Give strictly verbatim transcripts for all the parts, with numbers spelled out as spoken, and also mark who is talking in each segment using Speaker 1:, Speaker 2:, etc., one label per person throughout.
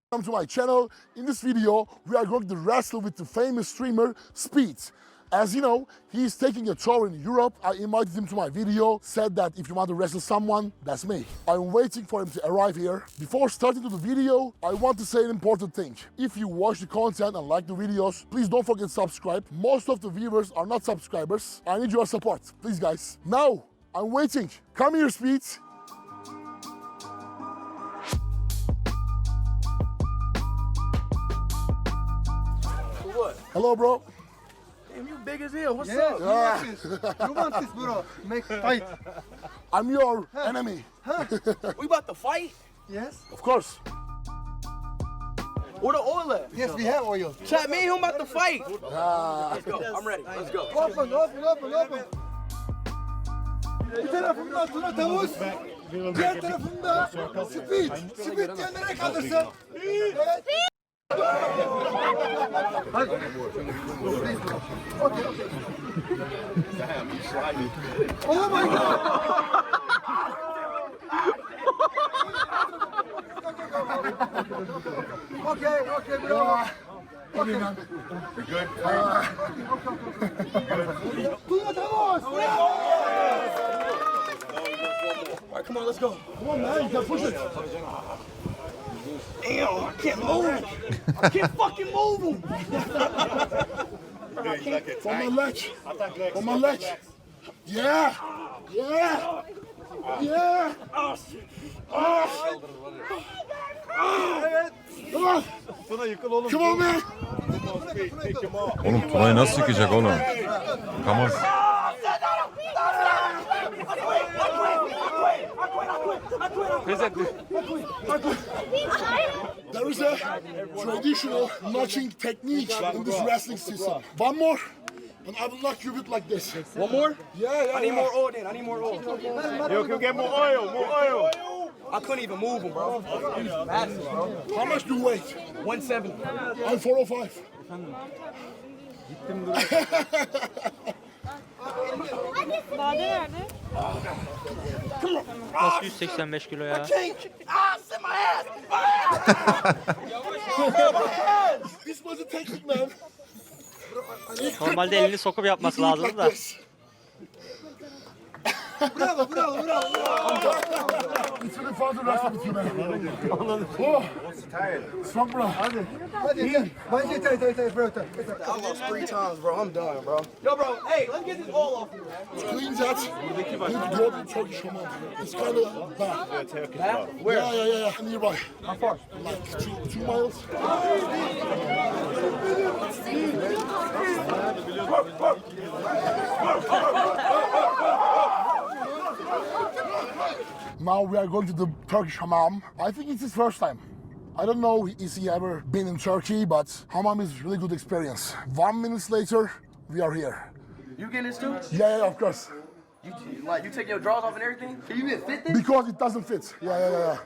Speaker 1: Welcome to my channel. In this video, we are going to wrestle with the famous streamer Speed. As you know, he's taking a tour in Europe. I invited him to my video, said that if you want to wrestle someone, that's me. I'm waiting for him to arrive here. Before starting to the video, I want to say an important thing. If you watch the content and like the videos, please don't forget to subscribe. Most of the viewers are not subscribers. I need your support, please guys. Now, I'm waiting. Come here, Speed.
Speaker 2: What?
Speaker 1: Hello, bro.
Speaker 2: Damn, you big as hell. What's
Speaker 3: Yeah,
Speaker 2: up?
Speaker 3: you want this? You want this, bro? Make fight.
Speaker 1: I'm your enemy.
Speaker 2: We about to fight?
Speaker 3: Yes.
Speaker 1: Of course.
Speaker 2: Where the oil at?
Speaker 3: Yes, we have oil.
Speaker 2: Chat, me and him about to fight.
Speaker 1: Ah.
Speaker 2: Let's go. I'm ready. Let's go.
Speaker 3: Open, open, open, open. Bir tarafımda Tuna Tavus, diğer tarafımda Speed. Speed diyenlere kaldırsın. Evet. Hadi. Okay. Oh my God. Okay, okay, bro. Okay.
Speaker 1: Good.
Speaker 3: Tuna Tavus.
Speaker 2: All right, come on, let's go.
Speaker 1: Come on, man. You can push it.
Speaker 2: Damn, I can't move. I can't fucking move him.
Speaker 1: From my leg. From my leg. Yeah. Yeah. Yeah.
Speaker 2: Oh, shit.
Speaker 1: Ah. Come on. Come on, man.
Speaker 4: Oğlum Tuna'yı nasıl yıkacak oğlum? Tamam.
Speaker 1: There is a traditional notching technique in this wrestling system. One more, and I will knock you with like this.
Speaker 2: One more?
Speaker 1: Yeah, yeah,
Speaker 2: I need
Speaker 1: yeah.
Speaker 2: more oil then. I need more oil.
Speaker 5: You can get more oil, more oil.
Speaker 2: I couldn't even move him, bro. Massive, bro.
Speaker 1: How much do you weigh?
Speaker 2: one seventy.
Speaker 1: I'm four oh five.
Speaker 6: Bade nerede?
Speaker 7: Nasıl yüz seksen beş kilo ya?
Speaker 2: Ah, sit my ass.
Speaker 1: This was a technique, man.
Speaker 7: Normalde elini sokup yapması
Speaker 1: You do it
Speaker 7: lazımdı
Speaker 1: like
Speaker 7: da.
Speaker 1: this.
Speaker 3: Bravo, bravo, bravo.
Speaker 1: It's really fun to wrestle with you, man. Oh, strong, bro.
Speaker 3: Hadi gel. Bence yeter, yeter, yeter, bro. Yeter.
Speaker 2: I lost three times, bro. I'm done, bro. Yo, bro, hey, let's get this oil off you, man.
Speaker 1: Clean that. You go to Turkish Hammam. It's kind of bad.
Speaker 2: Where?
Speaker 1: Yeah, yeah, yeah, yeah. Nearby.
Speaker 2: How far?
Speaker 1: Like two, two miles. Now we are going to the Turkish Hammam. I think it's his first time. I don't know is he ever been in Turkey, but Hammam is really good experience. One minute later, we are here.
Speaker 2: You getting this too?
Speaker 1: Yeah, yeah, of course.
Speaker 2: You, like, you take your drawers off and everything? Can you even fit this?
Speaker 1: Because it doesn't fit. Yeah, yeah, yeah, yeah.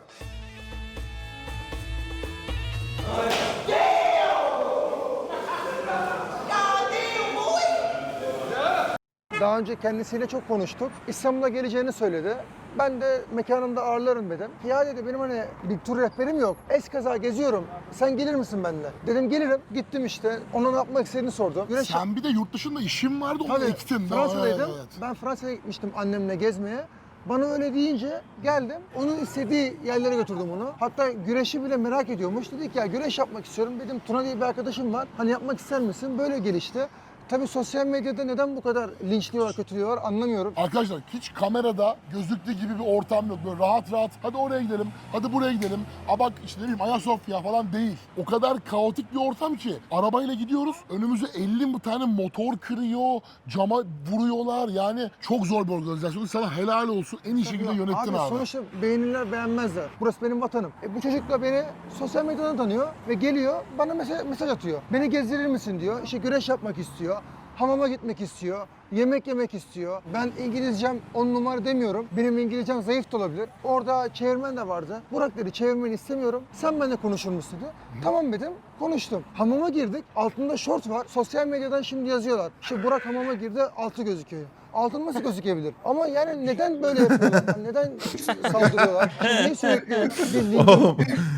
Speaker 3: Daha önce kendisiyle çok konuştuk. İstanbul'a geleceğini söyledi. Ben de mekanında ağırlarım dedim. Ya dedi benim hani bir tur rehberim yok. Eskaza geziyorum. Sen gelir misin benimle? Dedim gelirim. Gittim işte. Ona ne yapmak istediğini sordum. Güneş...
Speaker 1: Sen bir de yurt dışında işin vardı, onu
Speaker 3: Tabii,
Speaker 1: ektin.
Speaker 3: Fransa'daydım.
Speaker 1: Evet.
Speaker 3: Ben Fransa'ya gitmiştim annemle gezmeye. Bana öyle deyince geldim. Onun istediği yerlere götürdüm onu. Hatta güreşi bile merak ediyormuş. Dedi ki ya güreş yapmak istiyorum. Dedim Tuna diye bir arkadaşım var. Hani yapmak ister misin? Böyle gelişti. Tabii sosyal medyada neden bu kadar linçliyorlar, kötülüyorlar anlamıyorum.
Speaker 1: Arkadaşlar hiç kamerada gözüktüğü gibi bir ortam yok. Böyle rahat rahat hadi oraya gidelim, hadi buraya gidelim. A bak işte ne bileyim Ayasofya falan değil. O kadar kaotik bir ortam ki. Arabayla gidiyoruz, önümüze elli tane motor kırıyor, cama vuruyorlar. Yani çok zor bir organizasyon. Sana helal olsun, en iyi şekilde yönettin abi.
Speaker 3: Abi sonuçta beğenirler beğenmezler. Burası benim vatanım. E, bu çocuk da beni sosyal medyadan tanıyor ve geliyor bana mesaj, mesaj atıyor. Beni gezdirir misin diyor. İşte güreş yapmak istiyor. Hamama gitmek istiyor, yemek yemek istiyor. Ben İngilizcem on numara demiyorum. Benim İngilizcem zayıf da olabilir. Orada çevirmen de vardı. Burak dedi çevirmeni istemiyorum. Sen benimle konuşur musun dedi. Tamam dedim. Konuştum. Hamama girdik. Altında şort var. Sosyal medyadan şimdi yazıyorlar. İşte Burak hamama girdi, altı gözüküyor. Altın nasıl gözükebilir? Ama yani neden böyle yapıyorlar? Neden saldırıyorlar? Niye sürekli bir link-
Speaker 4: Oğlum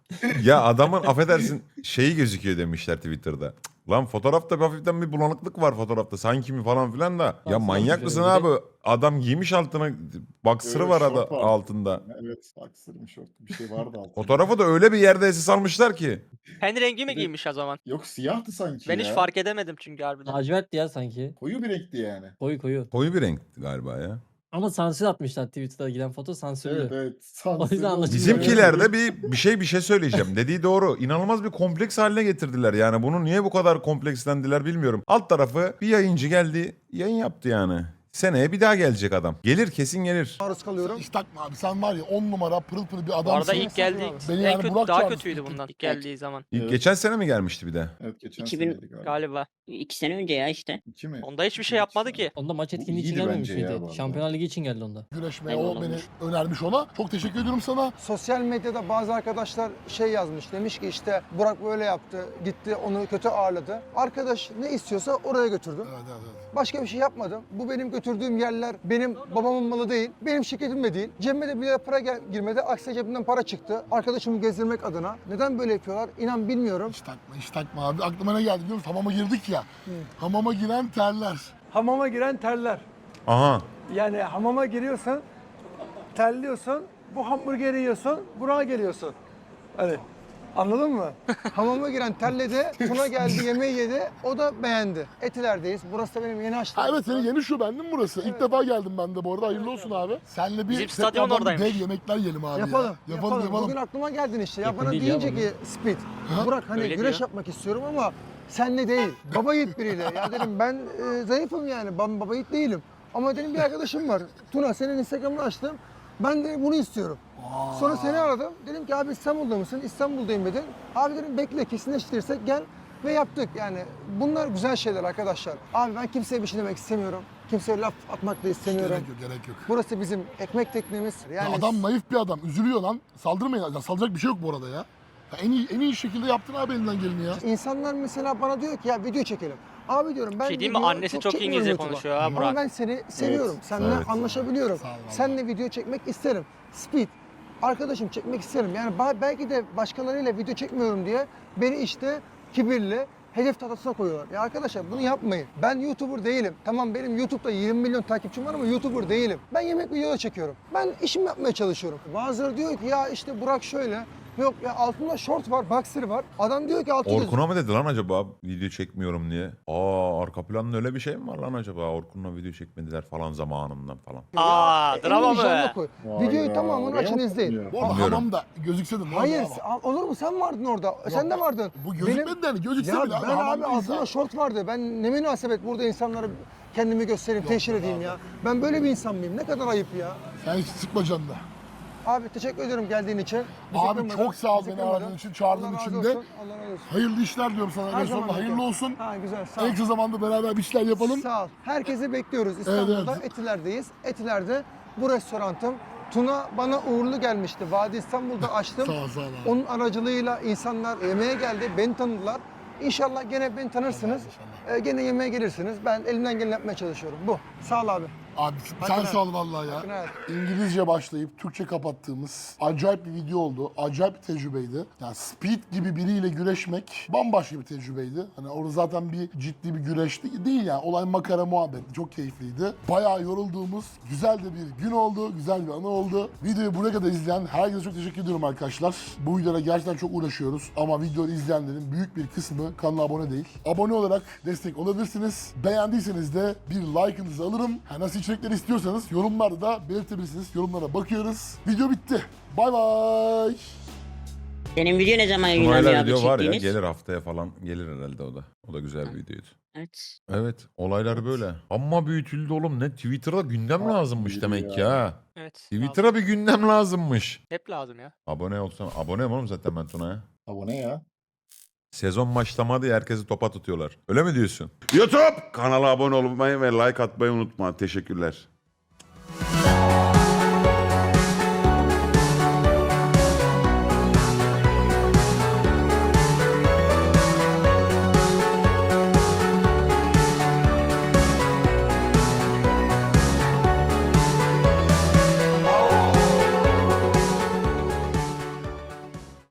Speaker 4: Ya adamın affedersin şeyi gözüküyor demişler Twitter'da. Cık, lan fotoğrafta bir hafiften bir bulanıklık var fotoğrafta sanki mi falan filan da. Ya
Speaker 8: Baksana
Speaker 4: manyak
Speaker 8: bir
Speaker 4: mısın
Speaker 8: de.
Speaker 4: abi? Adam giymiş altına boxer'ı
Speaker 9: Evet,
Speaker 4: var
Speaker 9: şort
Speaker 4: ada,
Speaker 9: var.
Speaker 4: altında.
Speaker 9: Evet, boxer mı şort bir şey vardı altında.
Speaker 4: Fotoğrafı da öyle bir yerde esas almışlar ki.
Speaker 7: Kendi rengi mi
Speaker 9: Bir de-
Speaker 7: giymiş o zaman?
Speaker 9: Yok siyahtı sanki
Speaker 7: Ben
Speaker 9: ya.
Speaker 7: hiç fark edemedim çünkü harbiden.
Speaker 8: Lacivert ya sanki.
Speaker 9: Koyu bir renkti yani.
Speaker 8: Koyu koyu.
Speaker 4: Koyu bir renk galiba ya.
Speaker 8: Ama sansür atmışlar Twitter'da giden foto sansürlü.
Speaker 9: Evet evet.
Speaker 8: O yüzden anlaşılmıyor.
Speaker 4: Bizimkilerde bir bir şey bir şey söyleyeceğim. Dediği doğru. İnanılmaz bir kompleks haline getirdiler yani. Bunu niye bu kadar komplekslendiler bilmiyorum. Alt tarafı bir yayıncı geldi, yayın yaptı yani. Seneye bir daha gelecek adam. Gelir kesin gelir.
Speaker 3: Maruz kalıyorum.
Speaker 1: Hiç takma abi, sen var ya on numara pırıl pırıl bir
Speaker 7: Bu arada
Speaker 1: adamsın.
Speaker 7: ilk geldiği
Speaker 1: Beni
Speaker 7: en
Speaker 1: yani
Speaker 7: kötü
Speaker 1: Burak
Speaker 7: daha
Speaker 1: çağırdı.
Speaker 7: kötüydü bundan ilk geldiği zaman
Speaker 4: İlk
Speaker 9: Evet.
Speaker 4: geçen sene mi gelmişti bir de?
Speaker 9: Evet geçen
Speaker 10: iki bin
Speaker 9: seneydi galiba.
Speaker 7: galiba.
Speaker 10: İki sene önce ya işte.
Speaker 9: İki mi?
Speaker 7: Onda hiçbir şey yapmadı ki.
Speaker 8: Onda maç
Speaker 9: Bu
Speaker 8: etkinliği için
Speaker 9: iyiydi
Speaker 8: gelmemiş
Speaker 9: bence ya bu
Speaker 8: miydi?
Speaker 9: arada.
Speaker 8: Şampiyonlar Ligi için geldi onda.
Speaker 1: Güreşmeye
Speaker 10: Eyvallah
Speaker 1: o beni
Speaker 10: olmuş.
Speaker 1: önermiş ona. Çok teşekkür ediyorum sana.
Speaker 3: Sosyal medyada bazı arkadaşlar şey yazmış. Demiş ki işte Burak böyle yaptı. Gitti onu kötü ağırladı. Arkadaş ne istiyorsa oraya götürdüm.
Speaker 1: Evet, evet, evet.
Speaker 3: Başka bir şey yapmadım. Bu benim götürdüğüm yerler benim babamın malı değil. Benim şirketim de değil. Cebime de bir lira para gel- girmedi. Aksine cebimden para çıktı. Arkadaşımı gezdirmek adına. Neden böyle yapıyorlar? İnan bilmiyorum.
Speaker 1: Hiç takma, hiç takma abi. Aklıma ne geldi biliyor musun? Hamama girdik ya. Hamama giren terler.
Speaker 3: Hamama giren terler.
Speaker 4: Aha.
Speaker 3: Yani hamama giriyorsun, terliyorsun, bu hamburgeri yiyorsun, buraya geliyorsun. Hani anladın mı? Hamama giren terledi, Tuna geldi yemeği yedi, o da beğendi. Etiler'deyiz, burası da benim yeni açtığım.
Speaker 1: Ha, evet senin yeni şuben değil mi burası? İlk defa geldim ben de bu arada. Hayırlı olsun abi. Seninle bir
Speaker 7: Bizim stadyon
Speaker 1: tekrardan
Speaker 7: oradaymış.
Speaker 1: dev yemekler yiyelim abi
Speaker 3: Yapalım,
Speaker 1: ya.
Speaker 3: yapalım,
Speaker 1: Yapalım, yapalım.
Speaker 3: Bugün aklıma geldin işte. Ya
Speaker 8: Yakın
Speaker 3: bana
Speaker 8: değil ya
Speaker 3: deyince
Speaker 8: bugün.
Speaker 3: ki Speed,
Speaker 1: Ha?
Speaker 3: Burak hani
Speaker 7: Öyle
Speaker 3: güreş
Speaker 7: diyor.
Speaker 3: yapmak istiyorum ama senle değil. Baba yiğit biriyle. Ya dedim ben e, zayıfım yani, ben baba yiğit değilim. Ama dedim bir arkadaşım var. Tuna senin Instagram'ını açtım. Ben de bunu istiyorum. Sonra seni aradım. Dedim ki abi İstanbul'da mısın? İstanbul'dayım dedin. Abi dedim bekle kesinleştirirsek gel ve yaptık. Yani bunlar güzel şeyler arkadaşlar. Abi ben kimseye bir şey demek istemiyorum. Kimseye laf atmak da istemiyorum.
Speaker 1: Gerek yok, gerek yok.
Speaker 3: Burası bizim ekmek teknemiz. Yani
Speaker 1: Ya adam naif bir adam. Üzülüyor lan. Saldırmayın. Ya, saldıracak bir şey yok bu arada ya. Ya en iyi en iyi şekilde yaptın abi elinden geleni ya.
Speaker 3: İnsanlar mesela bana diyor ki ya video çekelim. Abi diyorum ben
Speaker 7: şey diyeyim mi?
Speaker 3: video
Speaker 7: Annesi çok
Speaker 3: çekmiyorum
Speaker 7: İngilizce
Speaker 3: YouTube'a.
Speaker 7: konuşuyor ha
Speaker 3: Ama
Speaker 7: Burak.
Speaker 3: ben seni seviyorum. Seninle
Speaker 4: Evet.
Speaker 3: anlaşabiliyorum.
Speaker 1: Sağ ol abi.
Speaker 3: Seninle video çekmek isterim. Speed. Arkadaşım çekmek isterim. Yani ba- belki de başkalarıyla video çekmiyorum diye beni işte kibirli hedef tahtasına koyuyorlar. Ya arkadaşlar bunu yapmayın. Ben YouTuber değilim. Tamam benim YouTube'da yirmi milyon takipçim var ama YouTuber değilim. Ben yemek videoları çekiyorum. Ben işimi yapmaya çalışıyorum. Bazıları diyor ki ya işte Burak şöyle. Yok ya altında short var, boxer var. Adam diyor ki altı yüz.
Speaker 4: Orkun'a mı dedi lan acaba video çekmiyorum diye? Aa arka planda öyle bir şey mi var lan acaba? Orkun'la video çekmediler falan zamanından falan.
Speaker 7: Aa
Speaker 3: Ya,
Speaker 7: drama
Speaker 3: elini vicdanına
Speaker 7: mı?
Speaker 3: koy.
Speaker 9: Vay
Speaker 3: Videoyu
Speaker 9: be,
Speaker 3: tamamını
Speaker 9: oraya
Speaker 3: açın
Speaker 9: mı
Speaker 3: izleyin.
Speaker 9: koyuyor?
Speaker 1: Bu arada
Speaker 4: Bilmiyorum.
Speaker 1: hamamda gözükse de ne
Speaker 3: Hayır,
Speaker 1: oldu ama?
Speaker 3: olur mu? Sen vardın orada. Sen de vardın.
Speaker 1: Bu gözükmedi de hani gözükse
Speaker 3: Ya
Speaker 1: bile.
Speaker 3: ben abi
Speaker 1: hamamdayız
Speaker 3: altımda
Speaker 1: ya.
Speaker 3: şort vardı. Ben ne münasebet burada insanlara kendimi göstereyim, teşhir edeyim ya. Ben böyle bir insan mıyım? Ne kadar ayıp ya.
Speaker 1: Sen hiç sıkma canını.
Speaker 3: Abi teşekkür ediyorum geldiğin için. Bizi
Speaker 1: Abi
Speaker 3: kırmadın,
Speaker 1: çok sağ ol
Speaker 3: bizi
Speaker 1: beni
Speaker 3: kırmadın.
Speaker 1: aradığın için, çağırdığın
Speaker 3: Allah razı
Speaker 1: için de.
Speaker 3: olsun, Allah razı olsun.
Speaker 1: Hayırlı işler diyorum sana.
Speaker 3: Her
Speaker 1: En
Speaker 3: zaman
Speaker 1: sonunda hayırlı
Speaker 3: bekliyorum.
Speaker 1: olsun.
Speaker 3: Ha güzel sağ ol.
Speaker 1: En kısa zamanda beraber bir işler yapalım.
Speaker 3: Sağ ol. Herkesi bekliyoruz. İstanbul'da
Speaker 1: evet.
Speaker 3: Etiler'deyiz. Etiler'de bu restorantım. Tuna bana uğurlu gelmişti. Vadi İstanbul'da açtım.
Speaker 1: Sağ ol, sağ ol abi.
Speaker 3: Onun aracılığıyla insanlar yemeğe geldi. Beni tanıdılar. İnşallah gene beni tanırsınız. Ee, gene yemeğe gelirsiniz. Ben elimden geleni yapmaya çalışıyorum. Bu. Sağ ol abi.
Speaker 1: Abi sen
Speaker 3: Hakkını
Speaker 1: sağ ol vallahi ya.
Speaker 3: Hakkını helal.
Speaker 1: İngilizce başlayıp Türkçe kapattığımız acayip bir video oldu. Acayip bir tecrübeydi. Yani Speed gibi biriyle güreşmek bambaşka bir tecrübeydi. Hani orada zaten bir ciddi bir güreş de- değil yani. Olay makara muhabbet. Çok keyifliydi. Bayağı yorulduğumuz güzel de bir gün oldu. Güzel bir anı oldu. Videoyu buraya kadar izleyen herkese çok teşekkür ediyorum arkadaşlar. Bu videoda gerçekten çok uğraşıyoruz. Ama videoyu izleyenlerin büyük bir kısmı kanala abone değil. Abone olarak destek olabilirsiniz. Beğendiyseniz de bir like'ınızı alırım. Ha, nasıl içerikleri istiyorsanız yorumlarda da belirtebilirsiniz. Yorumlara bakıyoruz. Video bitti. Bay bay.
Speaker 10: Senin video ne zaman yayınlanıyor
Speaker 4: Tuna'yla
Speaker 10: abi
Speaker 4: video var ya
Speaker 10: çektiğiniz?
Speaker 4: gelir haftaya falan gelir herhalde o da. O da güzel bir videoydu.
Speaker 10: Evet.
Speaker 4: Evet olaylar böyle. Ama büyütüldü oğlum ne Twitter'da gündem lazımmış
Speaker 9: yürü
Speaker 4: demek ki
Speaker 9: ya.
Speaker 4: ha.
Speaker 7: Evet.
Speaker 4: Twitter'a bir gündem lazımmış.
Speaker 7: Hep lazım ya.
Speaker 4: Abone olsam aboneyim oğlum zaten ben Tuna'ya.
Speaker 9: Abone ya.
Speaker 4: Sezon başlamadı ya herkesi topa tutuyorlar. Öyle mi diyorsun? YouTube kanala abone olmayı ve like atmayı unutma. Teşekkürler.